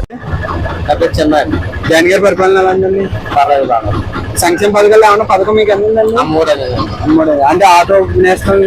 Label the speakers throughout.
Speaker 1: జగన్ గారి పరిపాలన ఎలా ఉందండి? సంక్షేమ పథకాలు ఏమన్నా పథకం మీకు అందిందండి? అమ్మోడే అంటే ఆటో నేషనల్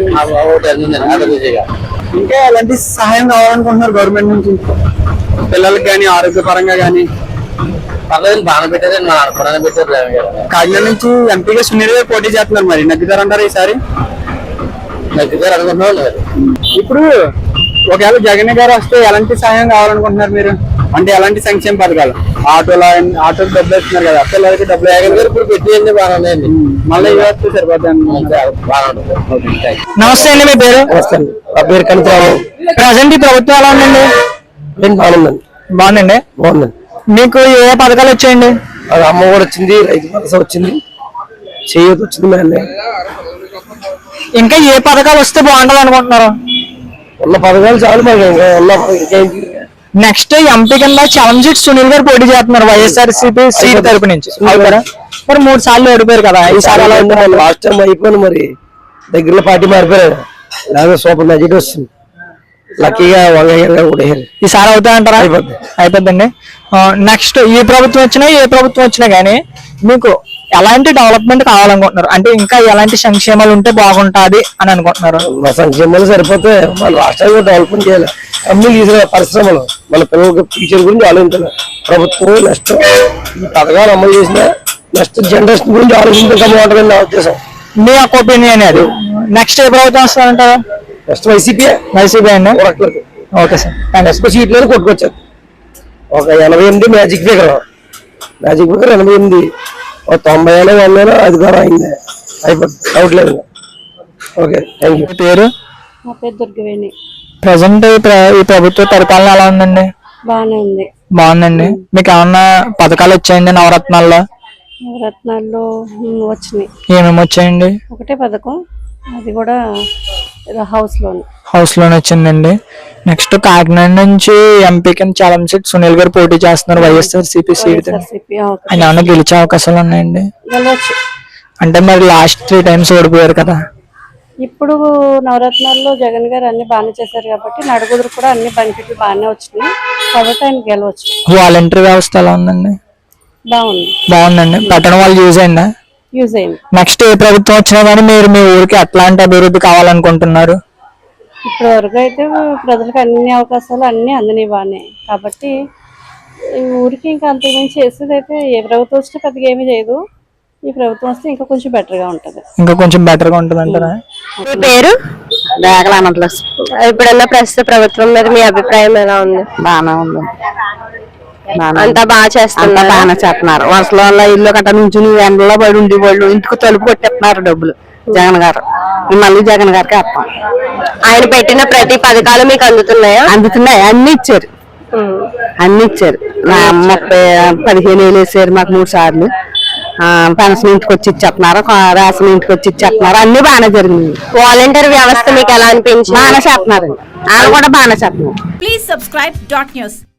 Speaker 1: ఇంకా ఎలాంటి సహాయం కావాలనుకుంటున్నారు గవర్నమెంట్ నుంచి పిల్లలకి కానీ ఆరోగ్యపరంగా కానీ?
Speaker 2: పర్లేదు బాగా పెట్టారు, పెట్టారు.
Speaker 1: కాకినాడ నుంచి ఎంపీగా సునీల్ గారు పోటీ చేస్తున్నారు, మరి నగ్గుతారంటారు ఈసారి?
Speaker 2: నగ్గుతారు అనుకుంటున్నాం.
Speaker 1: ఇప్పుడు ఒకవేళ జగన్ గారు వస్తే ఎలాంటి సహాయం కావాలనుకుంటున్నారు మీరు? అంటే ఎలాంటి సంక్షేమ పథకాలు? ఆటోకి డబ్బులు ఇస్తున్నారు కదా, పిల్లలకి డబ్బులు. జగన్ గారు ఇప్పుడు పెట్టేయండి బాగా ఉన్నాయండి, మళ్ళీ ఇవ్వచ్చు సరిపోతుంది.
Speaker 3: నమస్తే అండి, మీ పేరు?
Speaker 2: నా పేరు కనితరావు.
Speaker 3: ప్రజెంట్ ఈ ప్రభుత్వం ఎలా ఉందండి?
Speaker 2: బాగుందండి.
Speaker 3: బాగుందండి.
Speaker 2: బాగుందండి.
Speaker 3: మీకు ఏ పథకాలు వచ్చాయండి?
Speaker 2: అది అమ్మ కూడా వచ్చింది, రైతు భరోసా వచ్చింది, చేయూత వచ్చింది. మేమే
Speaker 3: ఇంకా ఏ పథకాలు వస్తే బాగుంటుంది అనుకుంటున్నారు?
Speaker 2: ఉన్న పథకాలు చాలు మాకు,
Speaker 3: నెక్స్ట్ ఎంపీ కింద చలంజిత్ సునీల్ గారు పోటీ చేస్తున్నారు వైఎస్ఆర్సీపీ సీట్ తరపు నుంచి. మరి 3 సార్లు ఓడిపోయారు కదా, ఈసారి ఎలా ఉంది?
Speaker 2: లాస్ట్ టైం అయిపోయింది, మరి దగ్గరలో పార్టీ మారిపోయారు, లేదా సూపర్ మెజారిటీ వస్తుంది. లక్కీగా కూడా
Speaker 3: ఈసారి అవుతాయంటారా? అయిపోద్దండి. నెక్స్ట్ ఈ ప్రభుత్వం వచ్చినా ఏ ప్రభుత్వం వచ్చినా కానీ మీకు ఎలాంటి డెవలప్మెంట్ కావాలనుకుంటున్నారు? అంటే ఇంకా ఎలాంటి సంక్షేమాలు ఉంటే బాగుంటుంది అని అనుకుంటున్నారు?
Speaker 2: మా సంక్షేమాలు సరిపోతే మన రాష్ట్రాన్ని డెవలప్మెంట్ చేయాలి. కంపెనీలు తీసుకునే పరిశ్రమలు, మన పిల్లలకి ఫ్యూచర్ గురించి ఆలోచించాలి ప్రభుత్వం. నెక్స్ట్ ఈ పథకాలు అమలు చేసిన నెక్స్ట్ జనరేషన్ గురించి ఆలోచించడం బాగుంటుంది నా ఉద్దేశం.
Speaker 3: మీ యొక్క ఒపీనియన్ అది. నెక్స్ట్ ఏ ప్రభుత్వం వస్తారంటారా?
Speaker 2: నెక్స్ట్ వైసీపీ
Speaker 3: అండి. ఓకే సార్,
Speaker 2: నెక్స్ట్ సీట్లను కొట్టుకొచ్చారు. ఒక 88 మ్యాజిక్ ఫిగర్ 88, 90 100 అధికారం అయింది, అయిపోతుంది, డౌట్ లేదు. Okay, thank you.
Speaker 3: పేరు?
Speaker 4: నా పేరు దుర్గవేణి.
Speaker 3: ప్రజెంట్ ఈ ప్రభుత్వ పరిపాలన ఎలా ఉందండి?
Speaker 4: బాగానే ఉంది.
Speaker 3: బాగుందండి. మీకు ఏమన్నా పథకాలు వచ్చాయండి నవరత్నాల్లో?
Speaker 4: నవరత్నాల్లో వచ్చినాయి.
Speaker 3: ఏమేమి వచ్చాయండి?
Speaker 4: ఒకటే పథకం, అది కూడా
Speaker 3: హౌస్ లోన్ వచ్చిందండి. నెక్స్ట్ కాకినాడ నుంచి ఎంపీ కింద చలంజిత్ సునీల్ గారు పోటీ చేస్తున్నారు వైఎస్ఆర్సీపీ సీట్. ఆయన ఏమన్నా గెలిచే అవకాశాలు ఉన్నాయండి? అంటే మరి లాస్ట్ 3 times ఓడిపోయారు కదా.
Speaker 4: ఇప్పుడు నవరత్నాల్లో జగన్ గారు అన్ని బాగానే చేశారు కాబట్టి నడుగుదురు కూడా అన్ని బెనిఫిట్లు బాగానే వచ్చినాయి కాబట్టి ఆయన గెలవచ్చు.
Speaker 3: వాలంటరీ వ్యవస్థ ఎలా ఉందండి? బాగుందండి. పట్టణ వాళ్ళు యూజ్ అయిందా?
Speaker 4: యూజ్ అయింది.
Speaker 3: నెక్స్ట్ ఏ ప్రభుత్వం వచ్చినా కానీ మీరు మీ ఊరికి ఎట్లాంటి అభివృద్ధి కావాలనుకుంటున్నారు?
Speaker 4: ఇప్పటి వరకు అయితే ప్రజలకు అన్ని అవకాశాలు అన్ని అందినాయి బాగానే, కాబట్టి ఈ ఊరికి ఇంకా అంతకుమించి చేసేది అయితే ఏ ప్రభుత్వం వస్తే పెద్దగా ఏమీ చేయదు. ఈ ప్రభుత్వం వస్తే ఇంకా కొంచెం బెటర్ గా ఉంటది.
Speaker 3: అంటారా?
Speaker 5: మీ పేరు? ఇప్పుడున్న ప్రస్తుత ప్రభుత్వం మీద మీ అభిప్రాయం ఎలా ఉంది?
Speaker 6: బాగానే ఉంది,
Speaker 5: అంతా బాగా చేస్తున్నారు.
Speaker 6: బాగానే చేస్తున్నారు. వర్షాల ఇల్లు గట్ట నుంచి ఎండలో పడి ఉండి వాళ్ళు ఇంటికి తలుపు కొట్టేస్తున్నారు డబ్బులు. జగన్ గారు మళ్ళీ జగన్ గారికి వేస్తాం.
Speaker 5: ఆయన పెట్టిన ప్రతి పథకాలు మీకు అందుతున్నాయా?
Speaker 6: అందుతున్నాయి, అన్ని ఇచ్చారు. నా 15 ఏళ్ళు వేసారు మాకు 3 సార్లు. పెన్షన్ ఇంటికి వచ్చి ఇచ్చేస్తున్నారు, రేషన్ ఇంటికి వచ్చి ఇచ్చేస్తున్నారు, అన్ని బాగానే జరిగింది.
Speaker 5: వాలంటీర్ వ్యవస్థ మీకు ఎలా అనిపించింది?
Speaker 6: బాగానే చేస్తున్నారు, వాళ్ళు కూడా బాగానే చేస్తున్నారు.
Speaker 7: Please subscribe. న్యూస్.